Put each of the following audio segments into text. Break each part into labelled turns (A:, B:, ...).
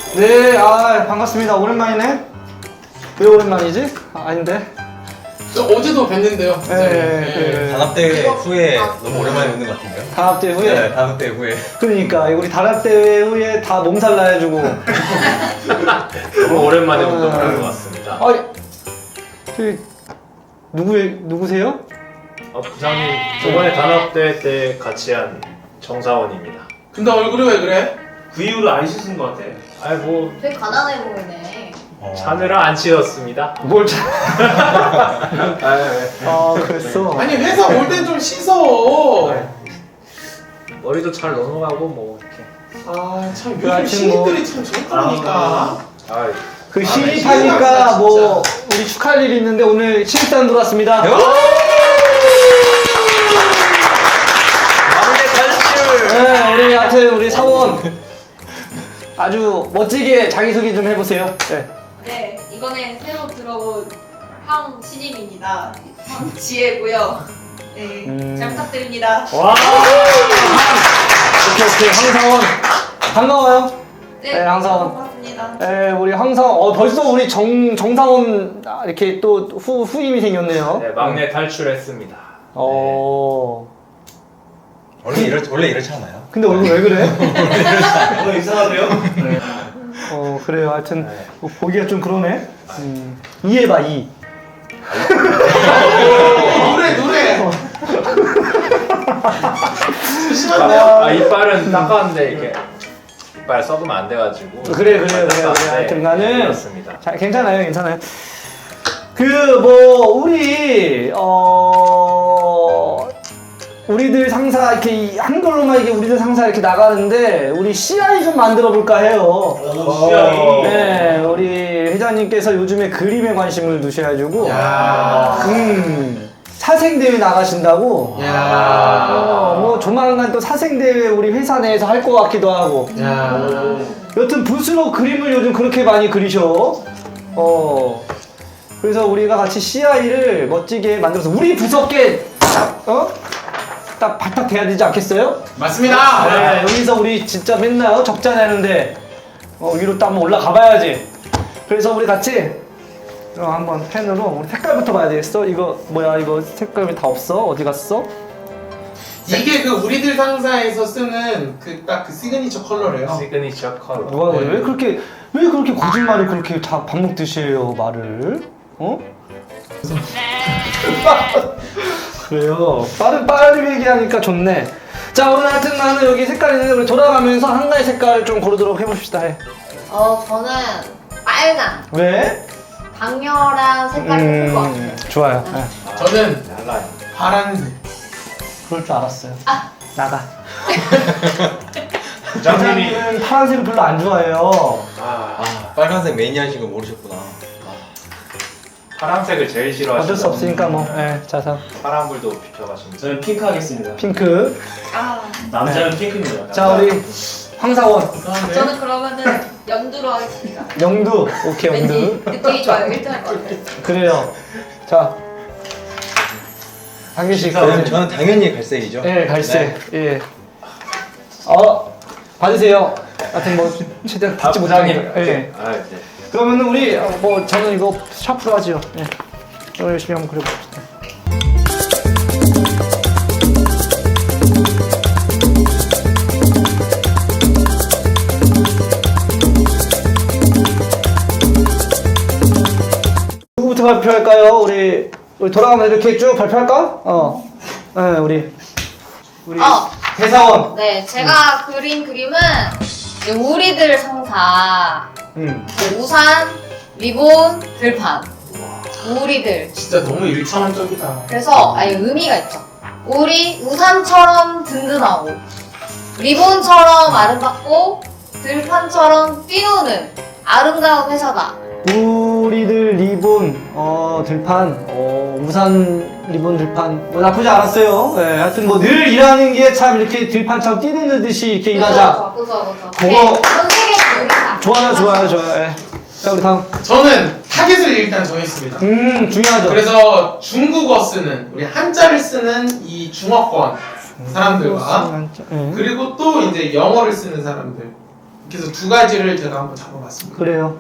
A: 네, 반갑습니다. 오랜만이네. 왜 오랜만이지? 아닌데.
B: 저 어제도 뵀는데요.
A: 네.
C: 단합대회 후에 너무 오랜만에 뵙는 것 같은데요?
A: 단합대회 후에?
C: 네, 단합대회 후에.
A: 그러니까 우리 단합대회 후에 다 몸살 나해주고.
D: 너무 오랜만에 운동을 한 것 같습니다.
A: 누구세요?
D: 부장님, 저번에 단합대회 때 같이 한 정사원입니다.
B: 근데 얼굴이 왜 그래?
D: 그 이후로 안 씻은 것 같아. 아이 뭐
E: 되게 가난해 보이네.
D: 자느라 안 씻었습니다.
A: 뭘
D: 아,
A: 그랬어.
B: 아니 회사 올 땐 좀 씻어.
D: 머리도 잘 넘어가고 뭐 이렇게.
B: 아참
A: 그
B: 요즘
A: 아침
B: 신입들이 참 좋다니까.
A: 그
B: 진짜.
A: 신입하니까 뭐 우리 축하할 일이 있는데 오늘 신입단 들어왔습니다. 네, 우리 하여튼 우리 사원 아주 멋지게 자기소개 좀 해보세요. 네.
E: 네, 이번에 새로 들어온 황 신임입니다. 황지혜고요. 네, 잘 부탁드립니다.
D: 와.
A: 오케이 황사원 반가워요. 네, 황사원.
E: 반갑습니다.
A: 네, 우리 황사원 벌써 우리 정사원 이렇게 또 후임이 생겼네요.
D: 네, 막내 탈출했습니다.
C: 원래 이렇지 않아요?
A: 근데 얼굴 왜 그래?
C: 이상하세요?
A: 그래요. 하여튼 보기가 좀 그러네. 이해봐 이.
B: 노래. 조심하세요.
D: 이빨은 닦았는데 이렇게 이빨 썩으면 안 돼가지고.
A: 그래. 하여튼 간에
D: 그렇습니다.
A: 괜찮아요. 우리들 상사 이렇게 한글로만 이게 우리들 상사 이렇게 나가는데 우리 CI 좀 만들어 볼까 해요.
D: CI.
A: 네, 우리 회장님께서 요즘에 그림에 관심을 두셔가지고 사생대회 나가신다고. 뭐 조만간 또 사생대회 우리 회사 내에서 할 것 같기도 하고. 여튼 붓으로 그림을 요즘 그렇게 많이 그리셔. 그래서 우리가 같이 CI를 멋지게 만들어서 우리 부서께 딱 발탁 돼야 되지 않겠어요?
B: 맞습니다.
A: 네, 여기서 우리 진짜 맨날 적자 내는데 위로 또 한번 올라가 봐야지. 그래서 우리 같이 한번 펜으로 우리 색깔부터 봐야 되겠어. 이거 뭐야? 이거 색깔이 다 없어? 어디 갔어?
B: 이게 그 우리들 상사에서 쓰는 그 딱 그 시그니처 컬러래요.
D: 시그니처 컬러.
A: 누가 그래? 왜 그렇게 거짓말을 그렇게 다 밥 먹듯이 해요 말을? 그래요. 빨리 얘기하니까 좋네. 자, 오늘 하여튼 나는 여기 색깔 있는데 우리 돌아가면서 한 가지 색깔을 좀 고르도록 해봅시다.
E: 저는 빨강,
A: 왜?
E: 강렬한 색깔이 예쁠 것 같아요.
A: 좋아요.
B: 저는
D: 달라요.
B: 파란색.
A: 그럴 줄 알았어요. 나가.
D: 부장님이
A: 부장님은 파란색을 별로 안 좋아해요.
C: 빨간색 매니아신 거 모르셨구나.
D: 파란색을 제일 싫어하시는.
A: 어쩔 수 없으니까 뭐. 자서
D: 파란불도 비켜가십니다.
F: 저는 핑크 하겠습니다.
A: 핑크.
F: 남자는 핑크입니다.
A: 자, 우리 황사원.
E: 저는 그러면은 연두로 하겠습니다.
A: 영두. 오케이,
E: 왠지
A: 영두.
E: 느낌이 좋아요. 1등 할 것 같아요.
A: 그래요. 자. 한 개씩.
C: 저는 당연히 갈색이죠.
A: 네, 갈색. 예. 받으세요. 하여튼 뭐 최대한 받지 못하니까. 예.
D: 네.
A: 그러면은 우리 저는 이거 샤프로 하지요. 예. 오늘 열심히 한번 그려봅시다. 누구부터 발표할까요? 우리 돌아가면 이렇게 쭉 발표할까? 네, 우리 대사원.
E: 네, 제가 그린 그림은 이제 우리들 상사, 우산, 리본, 들판. 우리들.
B: 진짜 너무 일차원적이다.
E: 그래서 의미가 있죠. 우리 우산처럼 든든하고, 리본처럼 아름답고, 들판처럼 뛰노는 아름다운 회사다.
A: 우리들 리본, 들판, 우산, 리본, 들판. 뭐 나쁘지 않았어요. 네, 하여튼 뭐 늘 일하는 게 참 이렇게 들판처럼 뛰는 듯이 이렇게 일하자.
E: 그거.
A: 그거-
E: 전 세계 우리다.
A: 좋아요. 예. 자, 우리 다음.
B: 저는 타겟을 일단 정했습니다.
A: 중요하죠.
B: 그래서 중국어 쓰는 우리 한자를 쓰는 이 중어권 사람들과
A: 예.
B: 그리고 또 이제 영어를 쓰는 사람들 그래서 두 가지를 제가 한번 잡아봤습니다.
A: 그래요.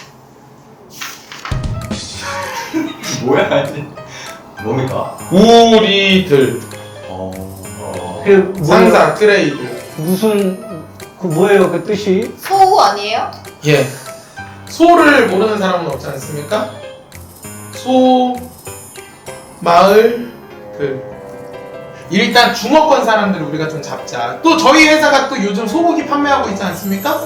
C: 뭐야? 뭡니까?
B: 우리들
A: 그 뭐예요?
B: 상사 트레이드.
A: 무슨 그 뭐예요 그 뜻이?
E: 소우 아니에요?
B: 예. 소를 모르는 사람은 없지 않습니까? 소, 마을, 일단 중어권 사람들을 우리가 좀 잡자. 또 저희 회사가 또 요즘 소고기 판매하고 있지 않습니까?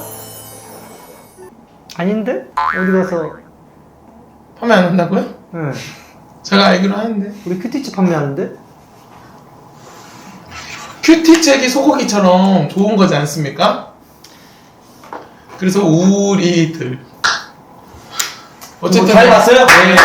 A: 아닌데? 어디 가서?
B: 판매 안 한다고요?
A: 네.
B: 제가 알기로 하는데.
A: 우리 큐티치 판매하는데?
B: 큐티책이 소고기처럼 좋은 거지 않습니까? 그래서 우리들. 어쨌든
A: 잘 봤어요? 네.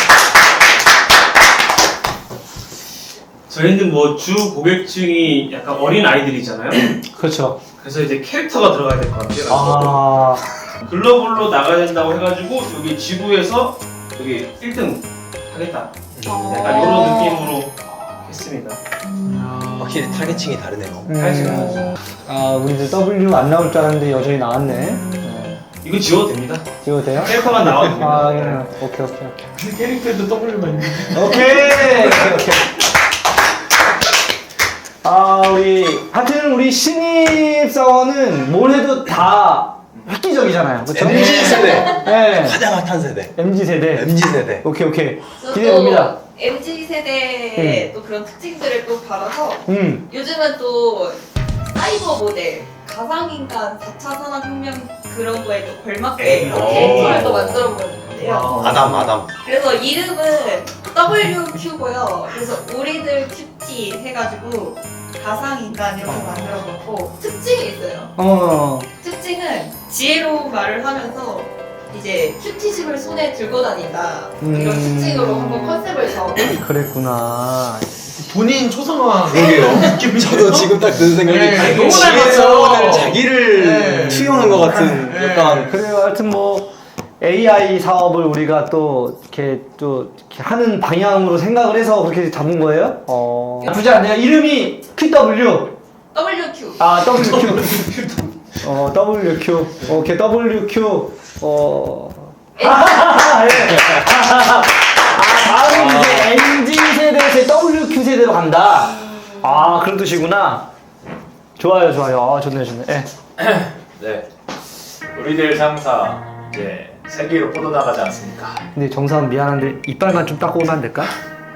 F: 저희는 뭐 주 고객층이 약간 어린 아이들이잖아요.
A: 그렇죠.
F: 그래서 이제 캐릭터가 들어가야 될 것 같아요.
A: 아,
F: 글로벌로 나가야 된다고 해가지고 여기 지구에서 여기 1등 하겠다. 약간 이런 느낌으로 했습니다.
C: 확실히 타겟층이 다르네요.
A: 아, 우리들 W 안 나올 줄 알았는데 여전히 나왔네. 네.
F: 이거 지워도 됩니다.
A: 지워도 돼요?
F: 캐릭터만 나와도 됩니다.
A: 아, 예. 오케이.
B: 그 캐릭터에도 W가 있는데.
A: 오케이. 아, 우리 신입 사원은 뭘 해도 다 획기적이잖아요. 그쵸?
C: MZ 세대.
A: 네.
C: 가장 핫한 세대.
A: MZ 세대.
C: MZ 세대.
A: 오케이. 기대해 봅니다.
G: MZ 세대의 또 그런 특징들을 또 받아서 요즘은 또 사이버 모델, 가상인간, 4차 산업혁명 그런 거에 또 걸맞게 캐릭터를 또 만들어 보는데요.
C: 아담.
G: 그래서 이름은 WQ고요. 그래서 우리들 큐티 해가지고 가상인간 이렇게 만들어봤고 특징이 있어요. 특징은 지혜로운 말을 하면서 이제 큐티집을 손에 들고 다닌다 이런 특징으로 한번 컨셉을 잡아봤어요.
A: 그랬구나.
B: 본인 초상화.
C: 그러게요. 저도 지금 딱 드는 생각이
B: 네, 너무
C: 지혜로운
B: 닮았어요.
C: 자기를
B: 네.
C: 투영한 것 같은
B: 네.
C: 약간
A: 그래요. 하여튼 뭐 AI 사업을 우리가 또 이렇게 하는 방향으로 생각을 해서 그렇게 잡은 거예요? 나쁘지 않네요. 이름이 QW.
G: WQ.
A: 아, WQ. WQ. 오케이, WQ. 다음은 이제 MZ 세대에서 WQ 세대로 간다. 아, 그런 뜻이구나. 좋아요. 아, 좋네. 예.
D: 네. 우리들 상사 이제 세계로 뻗어나가지 않습니까?
A: 근데 정사은 미안한데 이빨만 좀 닦고 오면 안 될까?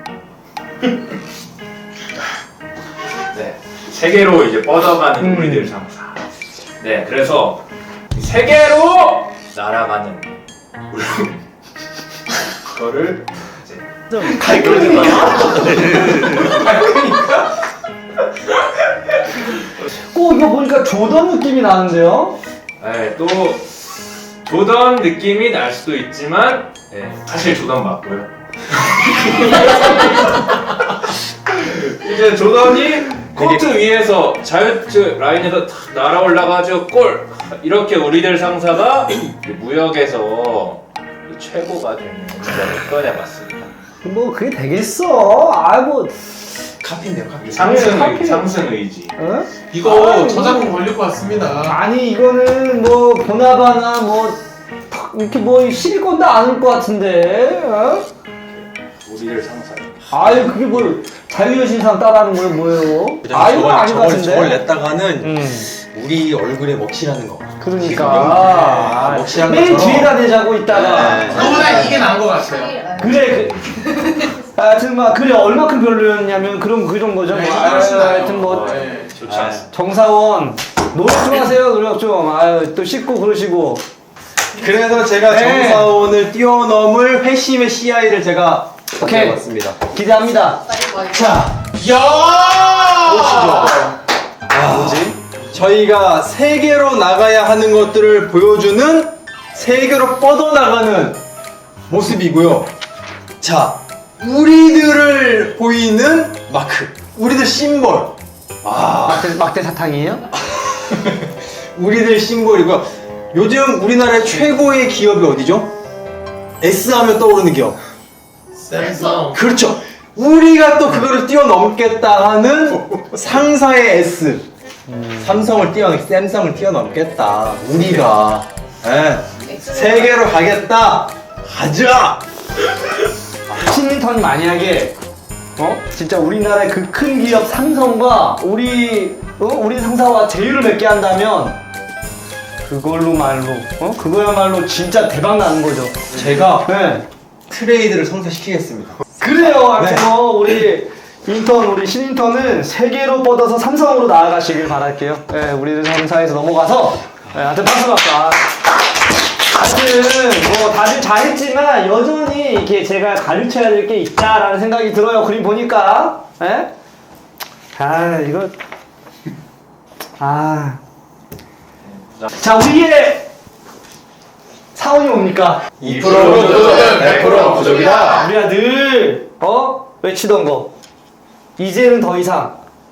D: 네. 세계로 이제 뻗어가는 우리들 상사. 네. 그래서 세계로 날아가는 우리 그거를 이제
A: 갈거리 마. 꼭 이거 보니까 조던 느낌이 나는데요?
D: 네, 또 조던 느낌이 날 수도 있지만 네, 사실 조던 맞고요. 이제 조던이 코트 위에서 자유투 라인에서 탁 날아 올라가지고 골! 이렇게 우리들 상사가 무역에서 최고가 되는 진짜를 꺼내봤습니다.
A: 뭐 그게 되겠어. 아이고.
C: 카피인데요, 카피.
D: 상승 의지.
A: 어?
B: 이거
A: 아유,
B: 저작권 걸릴 것 같습니다.
A: 아니 이거는 뭐 보나바나 뭐 이렇게 뭐 시리콘도 안 올 것 같은데. 어?
D: 우리들 상사.
A: 아유 그게 뭐 자유여신상 따라하는 거예요 뭐예요? 아유 아닌 것 같은데.
C: 저걸 냈다가는 우리 얼굴에 먹칠하는 거.
A: 그러니까
C: 먹칠하는
A: 맨
C: 것처럼.
A: 뒤에다 내자고 있다가
C: 네.
B: 저보다 이게 나은 것 같아요.
A: 그래 하여튼 막 그래 얼마큼 별로였냐면 그런 거죠.
B: 네,
A: 뭐.
B: 훨씬 나아요.
A: 하여튼 뭐
B: 네.
D: 좋지 않습니다.
A: 정사원 노력 좀 하세요. 노력 좀. 아유 또 씻고 그러시고.
C: 그래서 제가
A: 네.
C: 정사원을 뛰어넘을 회심의 CI를 제가
A: 오케이.
C: 가져왔습니다.
A: 기대합니다. 자,
B: 야!
C: 뭐지? 저희가 세계로 나가야 하는 것들을 보여주는 세계로 뻗어나가는 모습이고요. 자, 우리들을 보이는 마크, 우리들 심벌.
A: 막대 사탕이에요?
C: 우리들 심벌이고요. 요즘 우리나라의 최고의 기업이 어디죠? S 하면 떠오르는 기업.
B: 샘성.
C: 그렇죠. 우리가 또 그거를 뛰어넘겠다 하는 상사의 S. 삼성을 샘성을 뛰어넘겠다. 우리가 세계로 가겠다. 가자.
A: 신인턴이 만약에 진짜 우리나라의 그 큰 기업 삼성과 우리 상사와 제휴를 맺게 한다면 그거야말로 진짜 대박 나는 거죠.
C: 제가
A: 네.
C: 트레이드를 성사시키겠습니다.
A: 그래요. 아무튼 우리 신인턴은 세계로 뻗어서 삼성으로 나아가시길 바랄게요. 네, 우리들 상사에서 넘어가서 하여튼 박수 받자. 하여튼 다들 잘했지만 여전히 이렇게 제가 가르쳐야 될 게 있다라는 생각이 들어요. 그림 보니까. 예? 자, 우리의 사원이 뭡니까?
C: 2%
B: 부족은 100% 부족이다.
A: 우리가 늘 외치던 거. 이제는 더 이상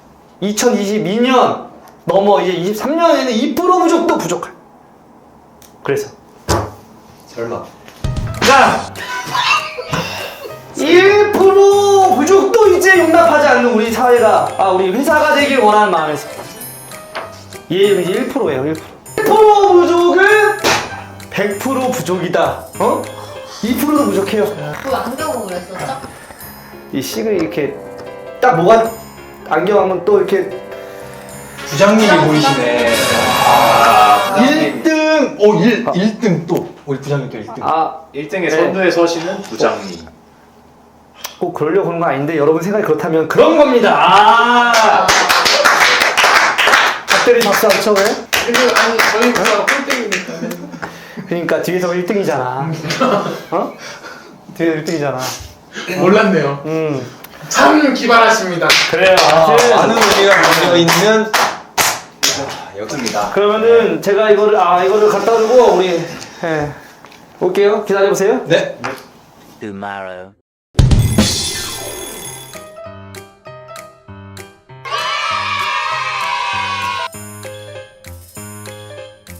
A: 2022년 넘어 이제 23년에는 2% 부족도 부족할. 그래서
C: 설마.
A: 자 1% 부족도 이제 용납하지 않는 우리 사회가 우리 회사가 되길 원하는 마음에서 이제 1%예요. 1% 부족은 100% 부족이다. 2%도 부족해요.
E: 그 안경으로 그랬었죠?
A: 이 식을 이렇게 딱 뭐가 안경하면 또 이렇게
C: 부장님이 보이시네. 1등! 1등 또. 우리 부장님 또 1등.
D: 1등의 선두에 서시는 부장님.
A: 꼭 그러려고 그런 거 아닌데 여러분 생각이 그렇다면 그런 겁니다. 박대리 박수 안 쳐 왜?
B: 아니 저희가 꼴등이니까.
A: 그러니까 뒤에서 1등이잖아. 뒤에서 1등이잖아.
B: 몰랐네요. 참 기발하십니다.
A: 그래요.
C: 많은 의미가 담겨있는 여기입니다.
A: 그러면은 제가 이거를 갖다 두고 우리 올게요. 기다려보세요.
C: 네.
H: tomorrow.